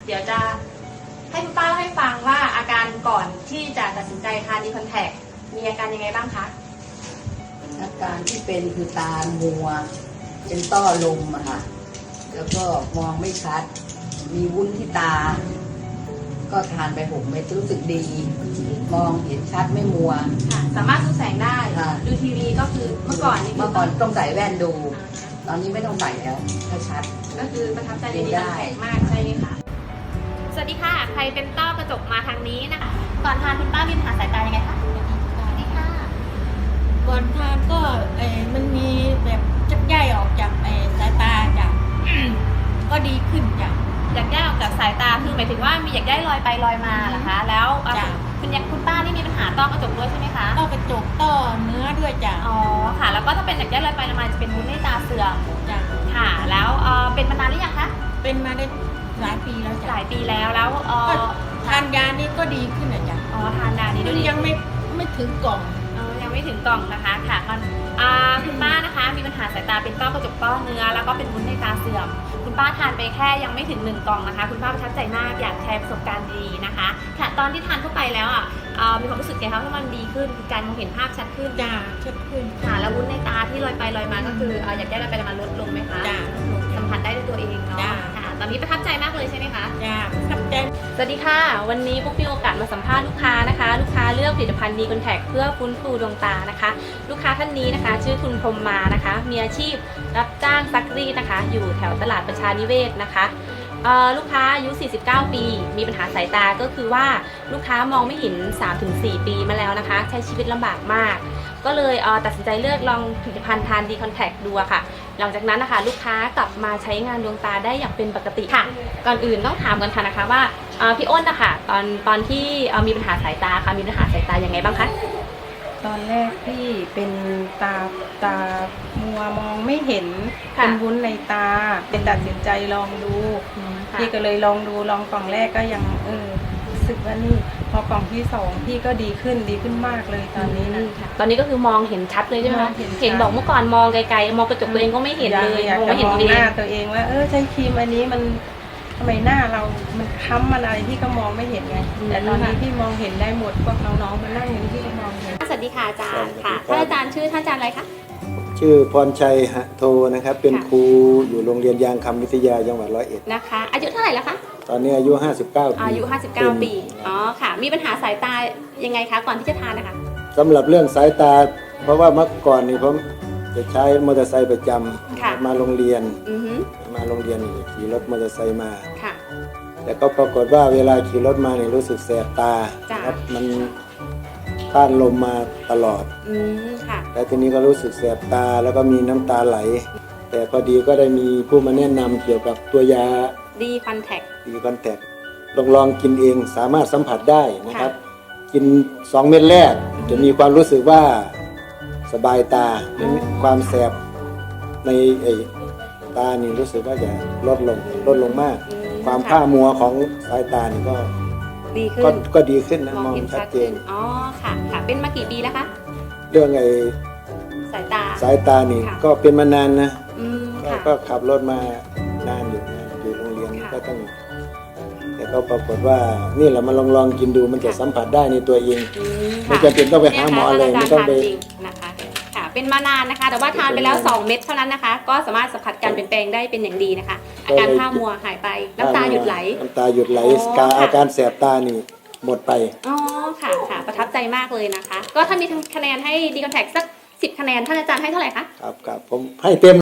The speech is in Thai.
เดี๋ยวจะให้คุณป้าเล่าให้ฟังว่าอาการก่อนที่จะตัดสินใจทานดีคอนแทคมีอาการยังไงบ้างคะอาการที่เป็นคือตามัวเป็นต้อลมอะค่ะแล้วก็มองไม่ชัดมีวุ้นที่ตาก็ทานไป6 เม็ดรู้สึกดีมองเห็นชัดไม่มัวค่ะสามารถดูแสงได้ดูทีวีก็คือเมื่อก่อนต้องใส่แว่นดูตอนนี้ไม่ต้องใส่แล้วก็ชัดก็คือประทับใจดีคอนแทคมากใช่ไหมคะสวัสดีค่ะใครเป็นต้อกระจกมาทางนี้นะคะก่อนทานคุณป้ามีปัญหาสายตายังไงคะสวัสดีค่ะก่อนทานก็มันมีแบบจับใยออกจากสายตาจ้ะก็ดีขึ้นจ้ะหยักใยออกจากสายตาคือหมายถึงว่ามีหยักใยลอยไปลอยมาเหรอคะแล้วคุณป้านี่มีปัญหาต้อกระจกด้วยใช่ไหมคะต้อกระจกต้อเนื้อด้วยจ้ะอ๋อค่ะแล้วก็ถ้าเป็นหยักใยลอยไปลอยมาจะเป็นวุ้นในตาเสื่อมจ้ะค่ะแล้วเป็นมานานหรือยังคะเป็นมาได้หลายปีแล้วจ้ะหลายปีแล้วทานยานี่ก็ดีขึ้นนะจ้ะทานยานี้ด้วยยังไม่ถึงกล่องยังไม่ถึงกล่องนะคะค่ะคุณป้านะคะมีปัญหาสายตาเป็นต้อกระจกต้อเนื้อแล้วก็เป็นวุ้นในตาเสื่อมคุณป้าทานไปแค่ยังไม่ถึง1 กล่องนะคะคุณป้าประทับใจมากอยากแชร์ประสบการณ์ดีนะคะค่ะตอนที่ทานเข้าไปแล้วมีความรู้สึกไงคะว่ามันดีขึ้นการมองเห็นภาพชัดขึ้นจ้าชัดขึ้นค่ะแล้ววุ้นในตาที่ลอยไปลอยมาก็คืออยากได้ลอยไปลอยมาลดลงไหมคะจ้าสัมผัสได้ด้วยตัวเองเนาะค่ะตอนนี้ประทับใจมากเลยใช่ไหมคะจ้าประทับใจสวัสดีค่ะวันนี้ปุ๊กมีโอกาสมาสัมภาษณ์ลูกค้านะคะลูกค้าเลือกผลิตภัณฑ์ดีคอนแทคเพื่อฟื้นฟูดวงตานะคะลูกค้าท่านนี้นะคะชื่อคุณพรหมมานะคะมีอาชีพรับจ้างซักรีดนะคะอยู่แถวตลาดประชานิเวศนะคะลูกค้าอายุ49 ปีมีปัญหาสายตาก็คือว่าลูกค้ามองไม่เห็น 3-4 ปีมาแล้วนะคะใช้ชีวิตลำบากมากก็เลยตัดสินใจเลือกลองผลิตภัณฑ์ทานดีคอนแทคดูค่ะหลังจากนั้นนะคะลูกค้ากลับมาใช้งานดวงตาได้อย่างเป็นปกติค่ะก่อนอื่นต้องถามกันค่ะนะคะว่าพี่อ้นนะคะตอนที่มีปัญหาสายตาค่ะมีปัญหาสายตายังไงบ้างคะตอนแรกพี่เป็นตามัวมองไม่เห็นเป็นวุ้นในตาเป็นตัดสินใจลองดูพี่ก็เลยลองกล่องแรกก็ยังรู้สึกว่านี่พอกล่องที่2พี่ก็ดีขึ้นมากเลยตอนนี้นะตอนนี้ก็คือมองเห็นชัดเลยใช่ไหมคะเห็นบอกเมื่อก่อนมองไกลๆมองกระจกตัวเองก็ไม่เห็นเลยมองไม่เห็นหน้าตัวเองว่าใช้ครีมอันนี้มันทำไมหน้าเรามันค้ำมันอะไรพี่ก็มองไม่เห็นไงแต่ตอนนี้พี่มองเห็นได้หมดพวกน้องๆมานั่งอย่างนี้พี่ก็มองเห็นสวัสดีค่ะอาจารย์ค่ะท่านอาจารย์ชื่อท่านอาจารย์อะไรคะชื่อพรชัยหะโทนะครับเป็นครูอยู่โรงเรียนยางคำวิทยาจังหวัด101 นะคะอายุเท่าไหร่แล้วคะตอนนี้อายุ59 ปีอายุ59 ปีอ๋อค่ะมีปัญหาสายตายังไงคะก่อนที่จะทานนะคะสำหรับเรื่องสายตาเพราะว่าเมื่อก่อนนี่ผมจะใช้มอเตอร์ไซค์ประจำมาโรงเรียนขี่รถมอเตอร์ไซค์มาแต่ก็ปรากฏว่าเวลาขี่รถมาเนี่ยรู้สึกแสบตาครับมันต้านลมมาตลอดแต่ทีนี้ก็รู้สึกแสบตาแล้วก็มีน้ำตาไหลแต่พอดีก็ได้มีผู้มาแนะนำเกี่ยวกับตัวยาดีคอนแทคลองกินเองสามารถสัมผัสได้นะครับกิน2 เม็ดแรกจะมีความรู้สึกว่าสบายตาความแสบในตานี่รู้สึกว่าจะลดลงมากความผ้ามัวของสายตานี่ก็ดีขึ้นนะมองชัดเจนอ๋อค่ะเป็นมากี่ปีแล้วคะเรื่องสายตานี่ก็เป็นมานานนะก็ขับรถมานานอยู่โรงเรียนก็ต้องแต่ก็ปรากฏว่านี่แหละมาลองกินดูมันจะสัมผัสได้ในตัวเองไม่จำเป็นต้องไปหาหมอเลยไม่ต้องไปนะคะค่ะเป็นมานานนะคะแต่ว่าทานไปแล้ว2 เม็ดเท่านั้นนะคะก็สามารถสัมผัสการเปลี่ยนแปลงได้เป็นอย่างดีนะคะอาการผ้ามัวหายไปน้ำตาหยุดไหลอาการแสบตานี่หมดไปอ๋อค่ะประทับใจมากเลยนะคะก็ถ้ามีคะแนนให้ดีคอนแทคสัก10 คะแนนท่านอาจารย์ให้เท่าไหร่คะครับผมให้เต็ม